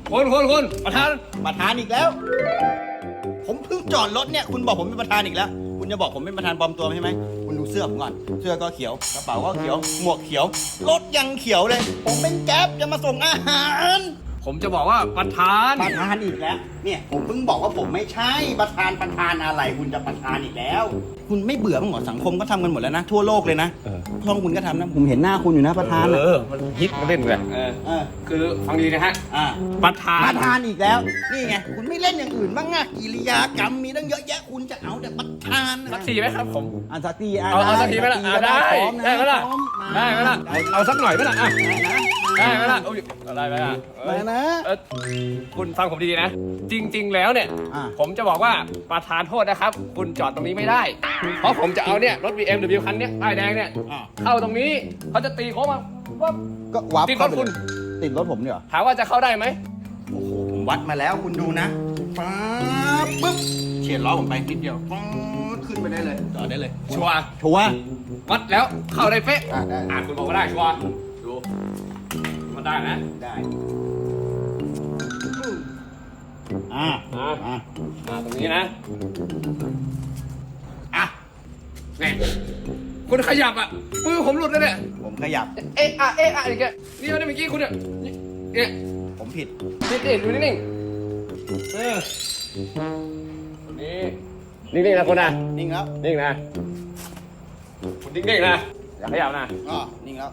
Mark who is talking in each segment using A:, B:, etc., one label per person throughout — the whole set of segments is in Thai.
A: คุณประธาน
B: อีกแล้ว ผมเพิ่งจอดรถเนี่ยคุณบอกผมเป็นประธานอีกแล้วคุณจะบอกผมเป็นประธานปลอมตัวใช่ไหมคุณดูเสื้อผมก่อนเสื้อก็เขียวกระเป๋าก็เขียวหมวกเขียวรถยังเขียวเลย ผมเป็นแก๊ปจะมาส่งอาหาร
A: ผมจะบอกว่าประธาน
B: อีกแล้วเนี่ยผมเพิ่งบอกว่าผมไม่ใช่ประธานอะไรคุณจะประธานอีกแล้ว คุณไม่เบื่อมั้งเหรอสังคมก็ทำกันหมดแล้วนะทั่วโลกเลยนะช่องคุณก็ทำนะผมเห็นหน้าคุณอยู่นะประธาน
A: มันฮิตมาเล่นเลยคือฟังดีนะฮะประธ
B: านอีกแล้วนี่ไงคุณไม่เล่นอย่างอื่นบ้างอะกิริยากรรมมีตั้งเยอะแยะคุณจะเอาแต่ประธาน
A: สักทีไหมครับผม
B: สักที
A: เอาสักทีไหมล่ะได้ไหมล่ะเอาสักหน่อยไหมล่ะได้ไหมล่ะได้ไหมล่ะ
B: นะ
A: คุณฟังผมดีๆนะจริงๆแล้วเนี่ยผมจะบอกว่าประธานโทษนะครับคุณจอดตรงนี้ไม่ได้เพราะผมจะเอาเนี่ยรถ BMW คันนี้ป้ายแดงเนี่ยเข้าตรงนี้เขาจะตีโค้งมา
B: ก็วับ
A: ติดรถคุณ
B: ติดรถผมเนี่ย
A: ถามว่าจะเข้าได้ไหม
B: โอ้โหผมวัดมาแล้วคุณดูนะปึ๊บเฉียดล้อผมไปนิดเดียวขึ้นไปได้เลยจอดได้เลย
A: ชัวร์วัดแล้วเข้าได้เป๊ะคุณบอกว่าได้ชัวร์ดูมันได้นะ
B: ได้
A: ตรงนี้นะนี่คุณขยับมือผมหลุดเลยเนี่ย
B: ผมขยับ
A: อย่างเงี้ยนี่เมื่อกี้คุณเนี่ย
B: ผมผิด
A: นี่ดูนิ่งนิ่งนะคุณนะ
B: นิ่งแล้ว
A: นิ่งนะคุณนิ่งนะอย่าขยับนะ
B: นิ่งแล้ว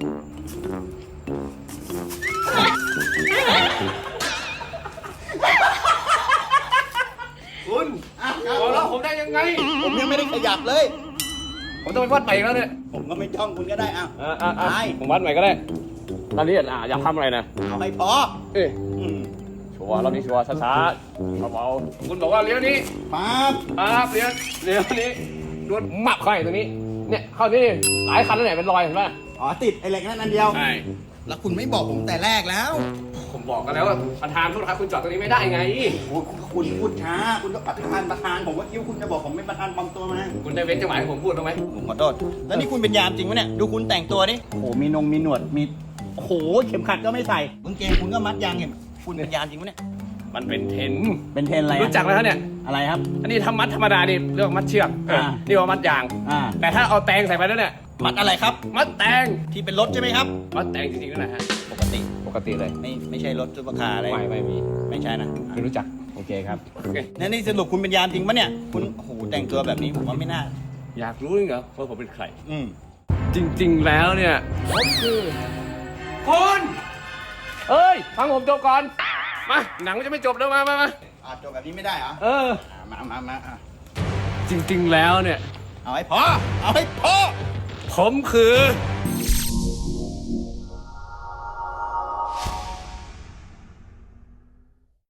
A: คุณบอกแล้วผมได้ยังไง
B: ผมยังไม่ได้ขยับเลย
A: ผมต้องไปวัดใหม่แล้วเนี่ย
B: ผมก็ไม่จ้องคุณก็ได้
A: ผมวัดใหม่ก็ได้ตอนนี้อยากทำอะไรนะ
B: เอาให้พอ
A: ชัวร์รอบนี้ชัวร์ช้าๆเบาๆคุณบอกว่าเลี้ยวนี้
B: ปั๊
A: บเลี้ยวนี้โดนหมับเข้าไปตรงนี้เนี่ยเข้านี่หลายคันแล้วเนี่ยเป็นรอยเห็นป่ะ
B: ติดไอ้เหล็กนั่นอันเดียว
A: ใช่
B: แล้วคุณไม่บอกผมแต่แรกแล้ว
A: ผมบอกกันแล้วว่าประธานโทษครับคุณจอดตรงนี้ไม่ได้ไง
B: คุณพูดช้าคุณก็ประธานผมก็คิดว่าคุณจะบอกผมเป็นประธานปลอมตัวมา
A: คุณได้เว้นจังหวะให้ผมพูดบ้างไหม
B: ผมขอโทษแล้วนี่คุณเป็นยามจริงไหมเนี่ยดูคุณแต่งตัวนี่โอ้โหมีหนวดมีโอ้โหเข็มขัดก็ไม่ใส่กางเกงคุณก็มัดยางเห็นคุณเป็นยามจริงไหมเนี่ย
A: มันเป็นเทน
B: อะไร
A: รู้จักแล้วเนี่ย
B: อะไรครับ
A: อันนี้ทำมัดธรรมดาดิเรื่องมัดเชือกนี่ว่ามัดยางแต่ถ้าเอาแตงใส่ไปแล้วเนี่ย
B: มัดอะไรครับ
A: มัดแตง
B: ที่เป็นรถใช่ไหมครับ
A: มัดแตงจริงๆนั่นแหละฮะปกติเลย
B: ไม่ใช่รถซุปเปอร์คาร์อะไร
A: ไม่มี
B: ไม่ใช่นะ
A: ไม่รู้จัก
B: โอเคครับนี่สรุปคุณเป็นยามจริงปะเนี่ยคุณโอ้โหแต่งตัวแบบนี้ผมว่าไม่น่า
A: อยากรู้จริงเหรอว่าผมเป็นใครจริงๆแล้วเนี่ยผมคือคุณฟังผมจบก่อนมาหนังมันจะไม่จบแล้วมา
B: จบแบบนี้ไม่ได้เหรอมา
A: จริงๆแล้วเนี่ย
B: เอาให้พอ
A: ผมคือ